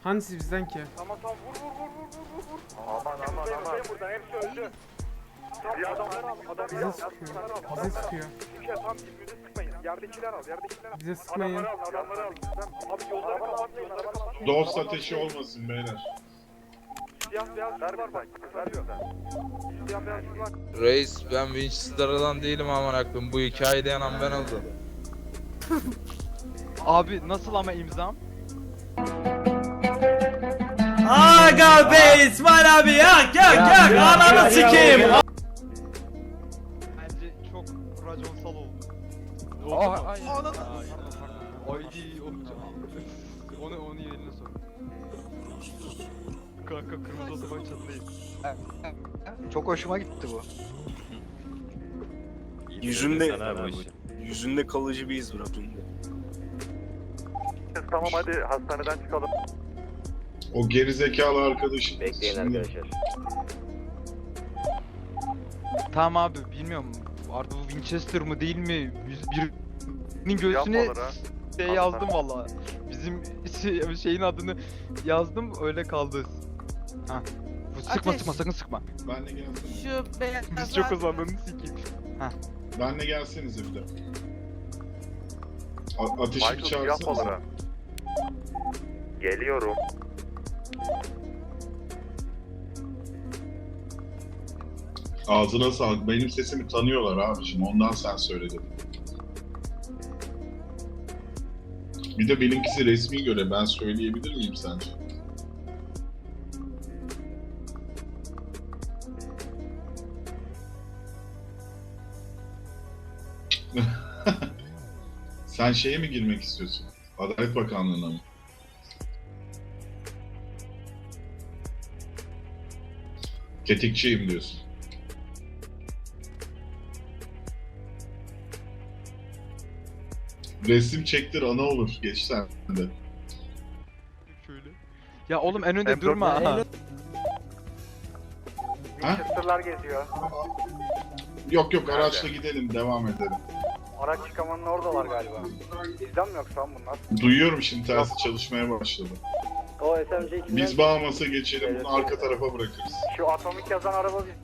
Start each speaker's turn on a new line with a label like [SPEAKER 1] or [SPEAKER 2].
[SPEAKER 1] Hangisi bizden ki?
[SPEAKER 2] Tamam vur. Aman. Buradan hepsi öldü. Bir adamları al.
[SPEAKER 1] Bize sıkıyor. Bize sıkıyor.
[SPEAKER 2] Tam birbirine sıkmayın. Yerdekiler al.
[SPEAKER 1] Bize sıkmayın.
[SPEAKER 2] Adamları al. Abi yolları kapatmayın.
[SPEAKER 3] Dost ateşi olmasın beyler.
[SPEAKER 2] Siyah beyaz var bak. Veriyor. Siyah beyaz var.
[SPEAKER 4] Reis ben Winchester'dan değilim aman aklım. Bu hikayede yanan ben oldum.
[SPEAKER 5] Abi nasıl ama imzam?
[SPEAKER 6] Aga be İsmail abi yak ananı sikeyim.
[SPEAKER 5] Bence çok raconsal oldu.
[SPEAKER 4] Ay.
[SPEAKER 5] Onu yerine sor. Kanka kırmızı otoban çatlayın.
[SPEAKER 7] Çok hoşuma gitti bu.
[SPEAKER 8] Yüzünde kalıcı bir iz bıraktın.
[SPEAKER 2] Tamam hadi hastaneden çıkalım.
[SPEAKER 3] O gerizekalı arkadaşım.
[SPEAKER 9] Bekleyin
[SPEAKER 3] Şimdi-
[SPEAKER 9] arkadaşlar.
[SPEAKER 5] Tamam abi bilmiyorum. Artık bu Winchester mı değil mi? Birinin göğsüne
[SPEAKER 2] Yapmaları ha.
[SPEAKER 5] şey yazdım valla. Bizim şeyin adını yazdım öyle kaldı. Ha. Sıkma sakın sıkma.
[SPEAKER 3] Benle gelsenize.
[SPEAKER 6] Şu beyaz
[SPEAKER 5] Biz çok hızlandığını sikeyim.
[SPEAKER 3] Benle gelsenize bir de. Ateşi bir
[SPEAKER 2] Michael
[SPEAKER 3] çağırsanıza.
[SPEAKER 2] yapmaları. Geliyorum.
[SPEAKER 3] Ağzına sağlık. Benim sesimi tanıyorlar abicim. Ondan sen söyledin. Bir de benimkisi resmi göre. Ben söyleyebilir miyim sence? Sen şeye mi girmek istiyorsun? Adalet Bakanlığı'na mı? Tetikçiyim diyorsun. Resim çektir ana olur. Geç sen de.
[SPEAKER 5] Şöyle. Ya oğlum en önde durma ha.
[SPEAKER 3] Ha?
[SPEAKER 2] Winchester'lar geziyor.
[SPEAKER 3] Yok araçla gidelim. Devam edelim.
[SPEAKER 2] Araç çıkamanın oradalar galiba. Bizden mi yoksa bunlar?
[SPEAKER 3] Duyuyorum şimdi tersi çalışmaya başladı.
[SPEAKER 9] O SMC 2'den
[SPEAKER 3] Biz Bahamas'a geçelim. Bunu arka tarafa bırakırız.
[SPEAKER 2] Şu atomik yazan araba